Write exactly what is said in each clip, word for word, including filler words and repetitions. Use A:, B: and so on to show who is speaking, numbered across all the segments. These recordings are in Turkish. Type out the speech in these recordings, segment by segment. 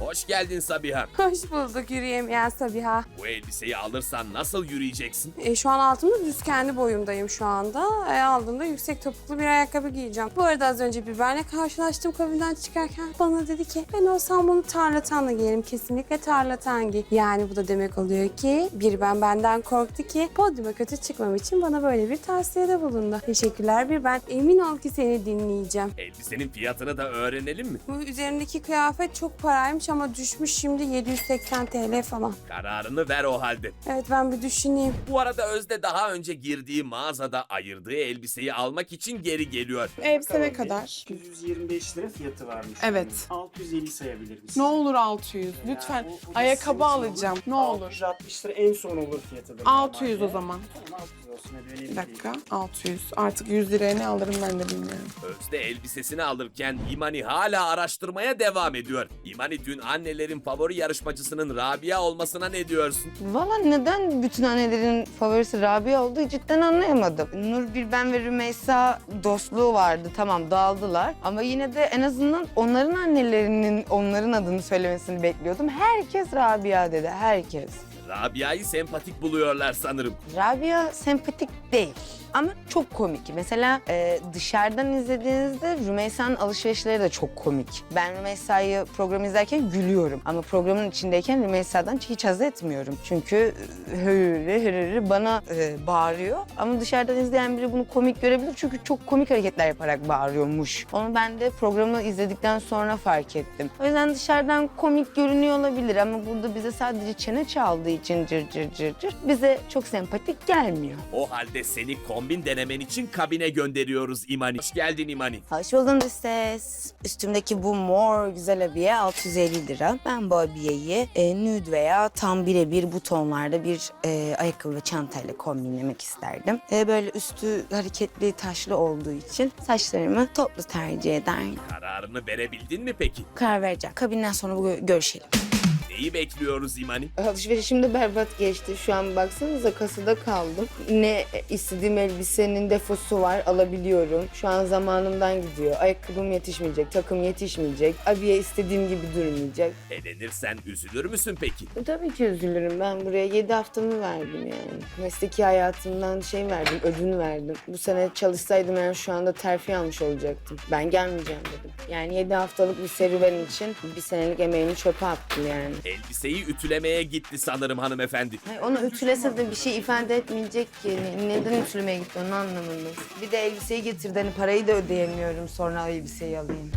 A: Hoş geldin Sabiha.
B: Hoş bulduk yürüyemeyen Sabiha.
A: Bu elbiseyi alırsan nasıl yürüyeceksin?
B: E, şu an altımda düz kendi boyumdayım şu anda. E, aldığımda yüksek topuklu bir ayakkabı giyeceğim. Bu arada az önce Biber'le karşılaştım kabinden çıkarken. Bana dedi ki ben olsam bunu tarlatanla giyerim. Kesinlikle tarlatan giy. Yani bu da demek oluyor ki bir ben benden korktu ki podyuma kötü çıkmam için bana böyle bir tavsiyede bulundu. Teşekkürler bir ben. Emin ol ki seni dinleyeceğim.
A: Elbisenin fiyatını da öğrenelim mi?
B: Bu üzerimdeki kıyafet çok paraymış ama düşmüş şimdi yedi yüz seksen TL falan.
A: Kararını ver o halde.
B: Evet ben bir düşüneyim.
A: Bu arada Özde daha önce girdiği mağazada ayırdığı elbiseyi almak için geri geliyor.
C: Elbise ne kadar?
D: yüz yirmi beş lira fiyatı varmış.
C: Evet.
D: altı yüz elli sayabilir misin?
C: Ne olur altı yüz. Lütfen.
D: Yani o- o da
C: Ayakkabı
D: sizin için
C: alacağım. Ne
D: altı
C: olur.
D: yüz altmış lira en son olur fiyatı. da
C: altı yüz o
D: normalde.
C: zaman.
D: Tamam altı yüz olsun hadi öyle
C: Bir dakika. altı yüz. Artık yüz liraya ne alırım ben de bilmiyorum.
A: Özde elbisesini alırken İmani hala araştırmaya devam ediyor. İmani dün annelerin favori yarışmacısının Rabia olmasına ne diyorsun?
E: Valla neden bütün annelerin favorisi Rabia olduğu cidden anlayamadım. Nur Bilben ve Rümeysa dostluğu vardı. Tamam dağıldılar. Ama yine de en azından onların annelerinin onların adını söylemesini bekliyordum. Herkes Rabia dedi. Herkes.
A: Rabia'yı sempatik buluyorlar sanırım.
E: Rabia sempatik değil. Ama çok komik. Mesela e, dışarıdan izlediğinizde Rümeysa'nın alışverişleri de çok komik. Ben Rümeysa'yı program izlerken gülüyorum. Ama programın içindeyken Rümeysa'dan hiç haz etmiyorum. Çünkü hırırı hırırı bana e, bağırıyor. Ama dışarıdan izleyen biri bunu komik görebilir. Çünkü çok komik hareketler yaparak bağırıyormuş. Onu ben de programı izledikten sonra fark ettim. O yüzden dışarıdan komik görünüyor olabilir. Ama burada bize sadece çene çaldığı için cır cır cır cır bize çok sempatik gelmiyor.
A: O halde seni kombin denemen için kabine gönderiyoruz İmani. Hoş geldin İmani.
E: Hoş buldum ses. Üstümdeki bu mor güzel abiye altı yüz elli lira. Ben bu abiyeyi e, nude veya tam birebir bu tonlarda bir e, ayakkabı ve çantayla kombinlemek isterdim. E, böyle üstü hareketli taşlı olduğu için saçlarımı toplu tercih ederim.
A: Kararını verebildin mi peki?
E: Karar vereceğim. Kabinden sonra bu gö- görüşelim.
A: Neyi bekliyoruz İmani?
E: Alışverişim de berbat geçti. Şu an baksanıza kasada kaldım. Ne istediğim elbisenin defosu var alabiliyorum. Şu an zamanımdan gidiyor. Ayakkabım yetişmeyecek, takım yetişmeyecek. Abiye istediğim gibi durmayacak.
A: Elenirsen üzülür müsün peki?
E: E, tabii ki üzülürüm. Ben buraya yedi haftamı verdim yani. Mesleki hayatımdan şey verdim, ödün verdim. Bu sene çalışsaydım ben şu anda terfi almış olacaktım. Ben gelmeyeceğim dedim. Yani yedi haftalık bir serüven için bir senelik emeğimi çöpe attım yani.
A: Elbiseyi ütülemeye gitti sanırım hanımefendi.
E: Hayır, onu ütülese de bir şey ifade etmeyecek ki. Neden ütülemeye gitti onu anlamadım. Bir de elbiseyi getirdi. Hani parayı da ödeyemiyorum sonra elbiseyi alayım.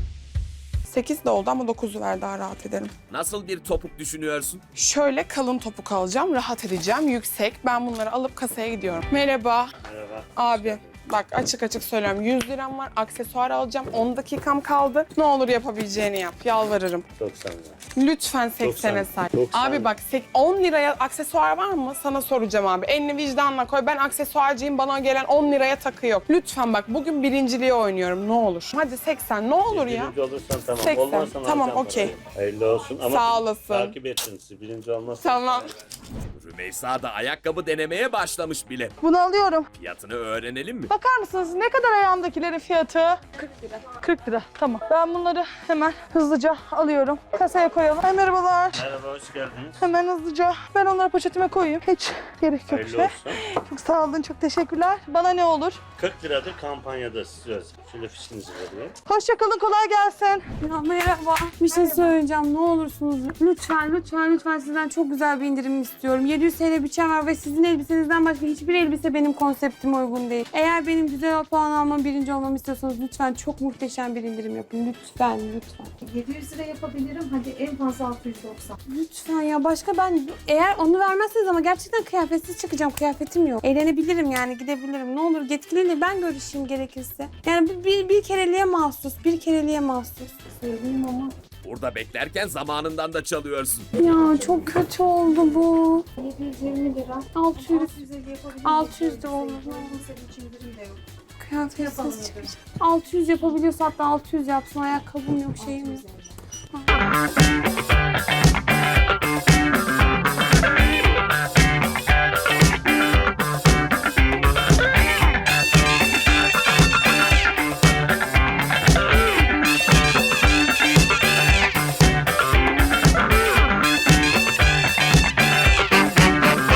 C: sekiz de oldu ama dokuzu ver daha rahat ederim.
A: Nasıl bir topuk düşünüyorsun?
C: Şöyle kalın topuk alacağım. Rahat edeceğim. Yüksek. Ben bunları alıp kasaya gidiyorum. Merhaba.
D: Merhaba.
C: Abi. Bak açık açık söylüyorum. yüz liram var. Aksesuar alacağım. on dakikam kaldı. Ne olur yapabileceğini yap. Yalvarırım.
D: doksan lira.
C: Lütfen seksene say.
D: doksan.
C: Abi bak sek- on liraya aksesuar var mı? Sana soracağım abi. Elini vicdanla koy. Ben aksesuarcıyım. Bana gelen on liraya takı yok. Lütfen bak bugün birinciliği oynuyorum. Ne olur. Hadi seksen ne olur ya.
F: Birinci olursan tamam.
C: seksen.
F: Olmazsan
C: Tamam,
F: alacağım
C: okey.
F: parayı. Hayırlı olsun ama
C: Sağ olasın.
F: takip etsin sizi. Birinci olmazsan.
C: Tamam.
A: Rümeysa da ayakkabı denemeye başlamış bile.
G: Bunu alıyorum.
A: Fiyatını öğrenelim mi?
G: Bakar mısınız ne kadar ayağımdakilerin fiyatı? kırk lira. kırk lira tamam. Ben bunları hemen hızlıca alıyorum. Kasaya koyalım. Ay, merhabalar.
F: Merhaba, hoş geldiniz.
G: Hemen hızlıca ben onları poşetime koyayım. Hiç gerek yok.
F: Hayırlı
G: Şey.
F: olsun.
G: Çok sağ olun, çok teşekkürler. Bana ne olur?
F: kırk liradır kampanyada size özel. Şöyle fişinizi vereyim.
G: Hoşça kalın, kolay gelsin.
B: Ya merhaba. Bir şey söyleyeceğim. Ne olursunuz lütfen lütfen lütfen sizden çok güzel bir indirim istiyorum. yedi yüz TL bütçem var ve sizin elbisenizden başka hiçbir elbise benim konseptime uygun değil. Eğer benim güzel puan almam, birinci olmamı istiyorsanız lütfen çok muhteşem bir indirim yapın. Lütfen lütfen.
H: yedi yüz lira yapabilirim. Hadi en fazla altı yüz doksan.
B: Lütfen ya başka ben eğer onu vermezseniz ama gerçekten kıyafetsiz çıkacağım. Kıyafetim yok. Eğlenebilirim yani gidebilirim. Ne olur yetkiliyle ben görüşeyim gerekirse. Yani bir, bir, bir kereliğe mahsus. Bir kereliğe mahsus.
H: Söyleyeyim ama
A: Burada beklerken zamanından da çalıyorsun.
B: Ya çok kötü oldu bu.
H: yedi yüz yirmi lira.
B: altı yüz.
H: altı yüze yapabilirim.
B: altı yüz de olur.
H: Olmasa hiç indirim de yok.
B: Kıyafetsiz
H: Yapalım
B: çıkacağım.
H: hadi.
B: altı yüz yapabiliyorsa hatta altı yüz yapsın. Ayakkabım yok şeyim yok.
H: altı yüz.